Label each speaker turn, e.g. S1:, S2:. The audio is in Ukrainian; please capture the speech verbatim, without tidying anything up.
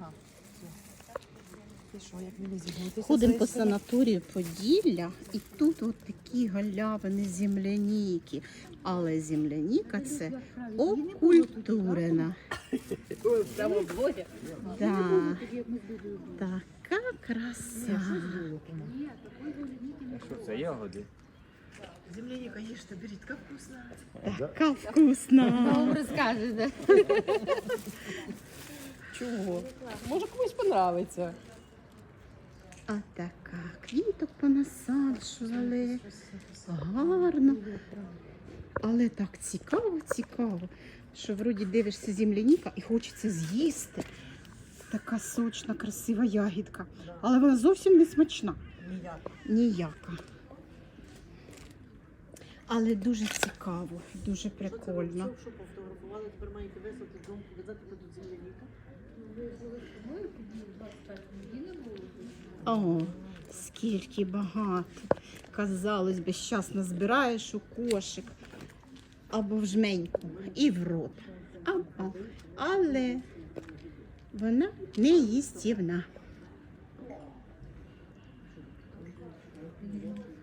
S1: Ага. І що, як мені зігнутися?
S2: Ходимо по санаторію Поділля, і тут от такі галявини земляніки. Але земляніка це окультурена. Да. Така краса.
S3: Що це, ягоди?
S1: Земляніка їжте, беріть, як вкусно.
S2: Така вкусна.
S4: Вам розкажете.
S1: Чого? Може комусь понравиться.
S2: А така квіток понасаджували. Гарно. Але так цікаво, цікаво, що вроді дивишся земляніка і хочеться з'їсти. Така сочна, красива ягідка. Але вона зовсім не смачна.
S1: Ніяк.
S2: Ніяка. Але дуже цікаво, дуже прикольно.
S1: Що пофотографували, тепер маєте висадити дому, показати тут земляніка?
S2: О, скільки багато. Казалось би, щас назбираєш у кошик або в жменьку і в рот. А-а. Але вона не їстівна.